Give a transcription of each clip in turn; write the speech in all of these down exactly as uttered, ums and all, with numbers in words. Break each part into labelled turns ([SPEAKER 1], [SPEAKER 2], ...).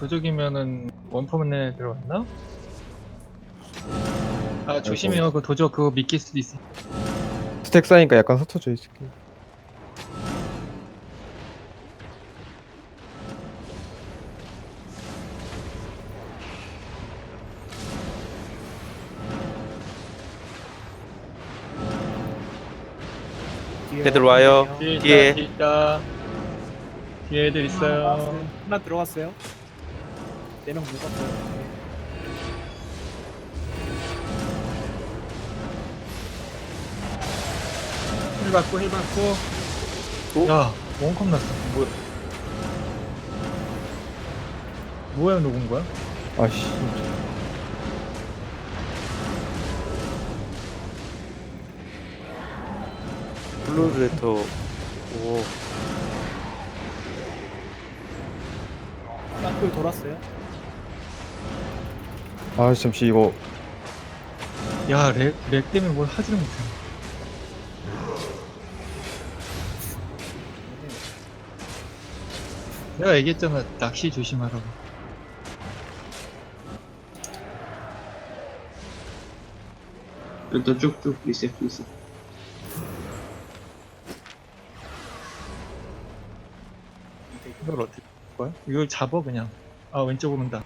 [SPEAKER 1] 도적이면은 원포문에 들어갔나? 아 조심해요. 그 도적 그거 미낄 수도 있어.
[SPEAKER 2] 스택 쌓이니까 약간 흩어져 있을게.
[SPEAKER 3] 애들 와요.
[SPEAKER 1] 뒤에 있다,
[SPEAKER 3] 뒤에.
[SPEAKER 1] 뒤에 있다. 뒤에 애들 있어요.
[SPEAKER 4] 하나 들어갔어요. 네 명 묶었어요.
[SPEAKER 1] 힐 받고 힐 받고.
[SPEAKER 3] 오?
[SPEAKER 1] 야 원컵 났어. 뭐야? 뭐야 녹은 거야?
[SPEAKER 2] 아씨.
[SPEAKER 3] 블루레터. 오.
[SPEAKER 4] 땅굴 돌았어요.
[SPEAKER 2] 아 잠시 이거
[SPEAKER 1] 야렉 렉 때문에 뭘 하지를 못해. 내가 얘기했잖아 낚시 조심하라고.
[SPEAKER 5] 일단 쭉쭉 리셋 리셋.
[SPEAKER 1] 이걸 어떻게 할 거야? 이걸 잡아 그냥. 아 왼쪽으로 온다.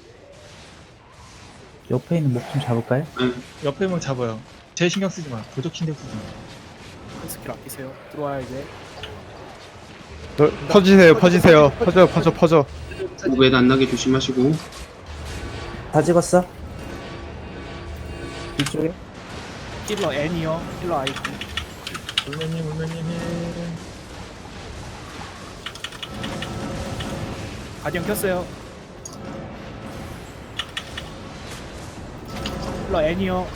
[SPEAKER 6] 옆에 있는 목 좀 잡을까요?
[SPEAKER 1] 옆에 뭐 잡아요. 제 신경 쓰지 마. 도적 신경 쓰지 마.
[SPEAKER 4] 큰 스킬 아끼세요. 들어와야 이제.
[SPEAKER 2] 너, 퍼지세요 퍼지세요 퍼져 퍼져 퍼져.
[SPEAKER 5] 오베드 안 나게 조심하시고.
[SPEAKER 6] 다 찍었어? 이쪽에?
[SPEAKER 4] 힐러 N이요. 힐러 아이디.
[SPEAKER 1] 울면님 울면님 힐.
[SPEAKER 4] 가디언 켰어요. 힐러 N이요.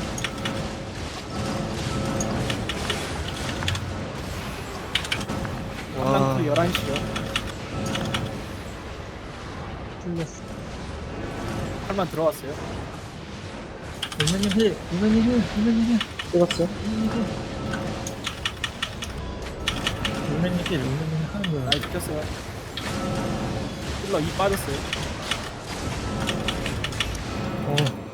[SPEAKER 1] 와
[SPEAKER 4] 한강투 열한 시요.
[SPEAKER 1] 틀렸어.
[SPEAKER 4] 팔만 들어왔어요.
[SPEAKER 1] 울면님 힐. 울면님 힐. 울면님 힐.
[SPEAKER 6] 찍었어?
[SPEAKER 1] 울면님 힐. 울면님 힐 하는 거야.
[SPEAKER 4] 아이디 켰어요. 힐러 이 빠졌어요.
[SPEAKER 1] 어